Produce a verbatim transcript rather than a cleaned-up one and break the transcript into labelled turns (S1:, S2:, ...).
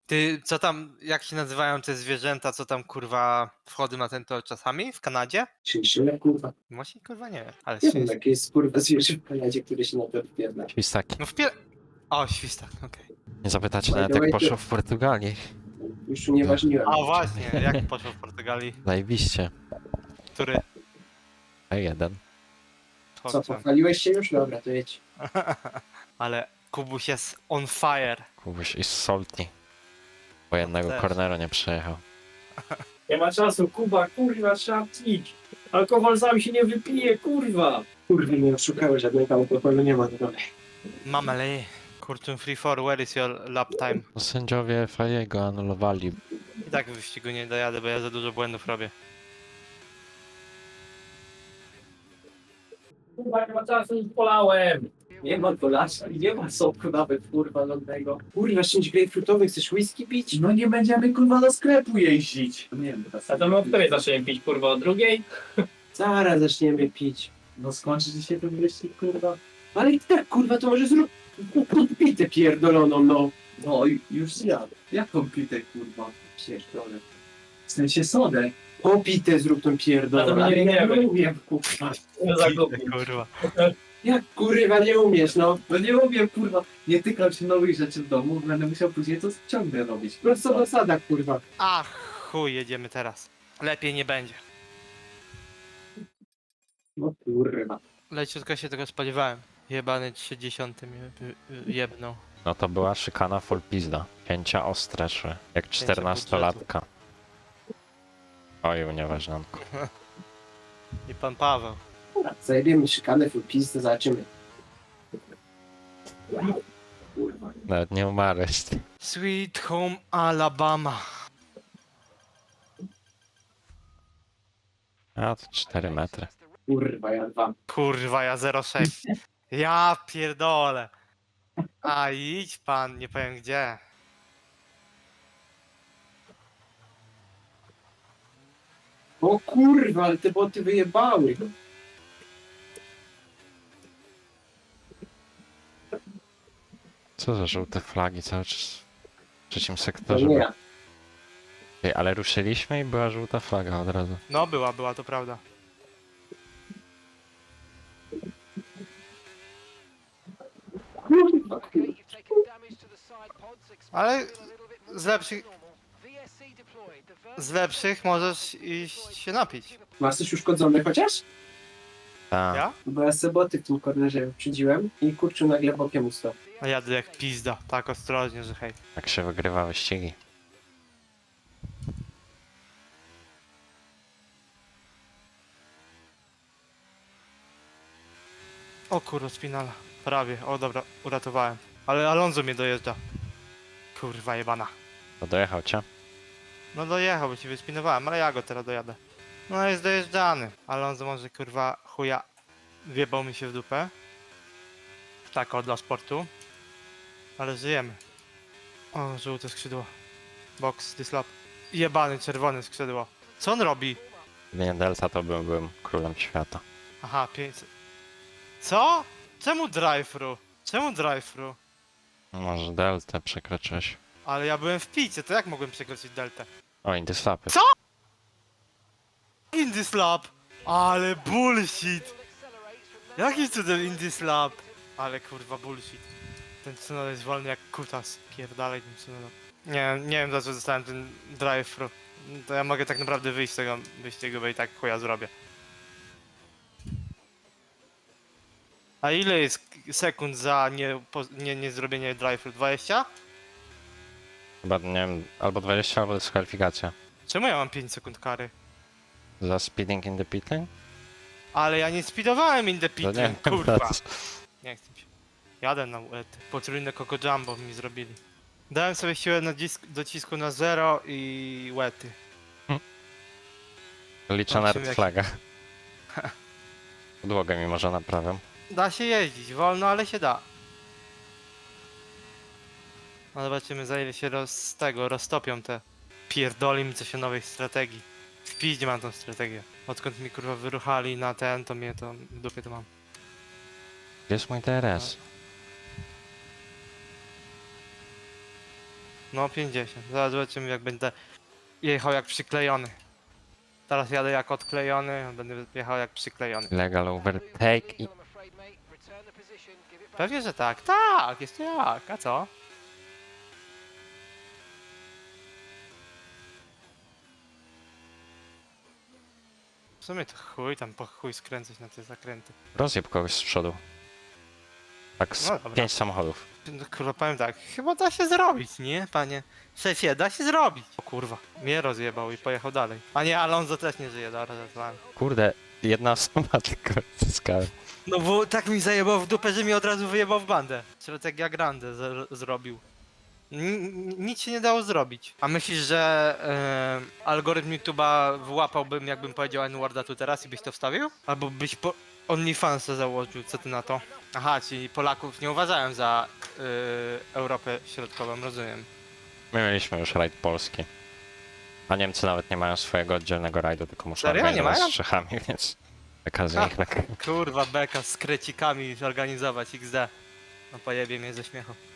S1: Ty, co tam, jak się nazywają te zwierzęta, co tam kurwa wchodzą na ten tor czasami w Kanadzie?
S2: Chinchilla, kurwa.
S1: Właśnie kurwa nie wiem, ale
S2: Nie wiem,
S1: świst.
S2: jakie jest kurwa zwierzę w Kanadzie, które się na to wpierdla.
S3: Świstaki.
S1: No w pier... O, świstak, okej.
S3: Nie zapytacie
S2: By
S3: nawet
S2: the
S3: jak
S2: way,
S3: poszło
S2: ty-
S3: w Portugalii.
S2: Już unieważniłem.
S1: A właśnie, jak poszło w Portugalii?
S3: Zajebiście.
S1: Który?
S3: A jeden.
S2: Co,
S1: Chłopcem.
S2: pochwaliłeś się już? Dobra, to jedź.
S1: Ale Kubuś jest on fire.
S3: Kubuś i salty. Bo jednego
S1: też.
S3: cornera nie przejechał.
S4: Nie ma czasu, Kuba, kurwa, trzeba pić. Alkohol sam się nie wypije, kurwa.
S2: Kurwa, nie oszukałeś, żadnego alkoholu nie ma. Dobra.
S1: Mamale. Kurczę free for, where is your lap time?
S3: No sędziowie Fajego anulowali.
S1: I tak w wyścigu nie dojadę, bo ja za dużo błędów robię.
S4: Kuba, nie ma czasu, już polałem.
S2: Nie ma dolasza, nie ma soku nawet, kurwa, lądnego. Kurwa, czymś grejpfrutowy, chcesz whisky pić?
S5: No nie będziemy kurwa do sklepu jeździć. Nie wiem, teraz.
S4: A to my o której zaczniemy pić, kurwa, o drugiej?
S2: Zaraz zaczniemy pić.
S5: No skończy się ten wyścig kurwa.
S2: Ale i tak, kurwa, to może zrób podpitę pierdoloną, no.
S5: No i już zjadł. Jaką pitę kurwa?
S2: Pierdolę.
S5: W sensie sodę.
S2: Popitę zrób tą
S4: A to
S2: pierdoloną.
S4: my nie
S2: ja
S4: wiemy.
S2: umiem, kurwa.
S4: Nie zagubię.
S1: Kurwa.
S2: Jak kurwa nie umiesz, no.
S5: No nie umiem kurwa. Nie tykam się nowych rzeczy w domu, będę musiał później to ciągle robić.
S2: Prosto zasada, kurwa.
S1: Ach, chuj, jedziemy teraz. Lepiej nie będzie.
S2: No kurwa.
S1: Leciutko się tego spodziewałem. Jebany trzydziesty mnie y- y- jebnął.
S3: No to była szykana full pizda. Pięcia ostre szły. Jak czternastolatka. Oj, unieważnionku.
S1: I pan Paweł.
S2: Dobra, zajebiemy szykanę, full pizdę, zobaczymy. Kurwa.
S3: Nawet nie umarłeś.
S1: Sweet Home Alabama.
S3: A to cztery metry.
S2: Kurwa, ja dwa.
S1: Kurwa, ja zero sześć. Ja pierdolę. A idź pan, nie powiem gdzie.
S2: O kurwa, ale te boty wyjebały.
S3: Co za żółte flagi cały czas w trzecim
S2: To
S3: sektorze.
S2: nie
S3: były.
S2: ja.
S3: Ej, ale ruszyliśmy i była żółta flaga od razu.
S1: No była, była, to prawda.
S2: Kurwa,
S1: Ale z lepszych, z lepszych możesz iść się napić.
S2: masz coś uszkodzone chociaż?
S3: Tak.
S1: Ja?
S2: Bo ja se boty w tym kornerze przydziłem i kurczę nagle bokiem ustał.
S1: A jadę jak pizda. Tak ostrożnie, że hej.
S3: Jak się wygrywa wyścigi.
S1: O kurwa, spinala. Prawie, o dobra, uratowałem. Ale Alonso mnie dojeżdża. Kurwa jebana.
S3: To dojechał cię?
S1: No dojechał, bo ci wyspinowałem, ale ja go teraz dojadę. No jest dojeżdżany. Alonso może kurwa chuja wjebał mi się w dupę. Tak o dla sportu. Ale żyjemy. O, żółte skrzydło. Box, dislap. Jebany czerwone skrzydło. Co on robi?
S3: Gdyby nie Delta, to bym, byłem królem świata.
S1: Aha, pięćset. Co? Czemu drive-thru? Czemu drive-thru?
S3: Może Deltę przekroczyłeś.
S1: Ale ja byłem w picie, to jak mogłem przekroczyć deltę?
S3: O, Indyslapy.
S1: Co? Indy slap! Ale bullshit! Jaki cudem Indy slap? Ale kurwa bullshit. Ten Tsunoda jest wolny jak kutas. Pierdalej ten Tsunoda. Nie, nie wiem za co dostałem ten drive-thru. To ja mogę tak naprawdę wyjść z tego wyścigu, bo i tak chuja zrobię. A ile jest sekund za nie, po, nie, nie zrobienie drive-thru? dwadzieścia?
S3: Chyba, nie wiem, albo dwadzieścia, albo dyskwalifikacja.
S1: Czemu ja mam pięć sekund kary?
S3: Za speeding in the pit lane?
S1: Ale ja nie speedowałem in the
S3: To
S1: pit,
S3: nie
S1: lane,
S3: wiem,
S1: kurwa.
S3: to-
S1: Nie chcę mi się. Jadę na uety. Potrójne Coco Jumbo mi zrobili. Dałem sobie siłę na disk, docisku na zero i łety.
S3: Liczę na
S1: Zobaczymy,
S3: red
S1: jak-
S3: flaga. Podłogę mi może naprawiam.
S1: Da się jeździć, wolno, ale się da. No zobaczymy za ile się roz, z tego roztopią te pierdoli mi coś o nowej strategii. W piździe mam tą strategię. Odkąd mi kurwa wyruchali na ten, to mnie to w dupie to mam.
S3: Gdzie jest mój D R S?
S1: No pięćdziesiąt. Zaraz zobaczymy jak będę jechał jak przyklejony. Teraz jadę jak odklejony, a będę jechał jak przyklejony.
S3: Legal overtake i...
S1: Pewnie, że tak. Tak, jest jak. A co? W sumie to chuj tam po chuj skręcać na te zakręty.
S3: Rozjeb kogoś z przodu. Tak z
S1: No dobra.
S3: pięć samochodów.
S1: No, kurwa, powiem tak, chyba da się zrobić, nie, panie? Szefie, da się zrobić. O kurwa, mnie rozjebał i pojechał dalej. A nie, Alonso też nie żyje, dobra, zadzwonię.
S3: Kurde, jedna osoba tylko zyskała.
S1: No bo tak mi zajebał w dupę, że mi od razu wyjebał w bandę. Strategia grande z- zrobił. N- nic się nie dało zrobić. A myślisz, że e, algorytm YouTube'a wyłapałbym, jakbym powiedział N-worda tu teraz i byś to wstawił? Albo byś po OnlyFansa założył, co ty na to? Aha, czyli Polaków nie uważałem za e, Europę Środkową, rozumiem.
S3: My mieliśmy już rajd polski. A Niemcy nawet nie mają swojego oddzielnego rajdu, tylko muszą
S1: Serio? Nie
S3: organizować
S1: mają?
S3: z Czechami, więc... Taka z
S1: A.
S3: nich lekka.
S1: Kurwa, beka z krecikami organizować X D. No pojebie mnie ze śmiechu.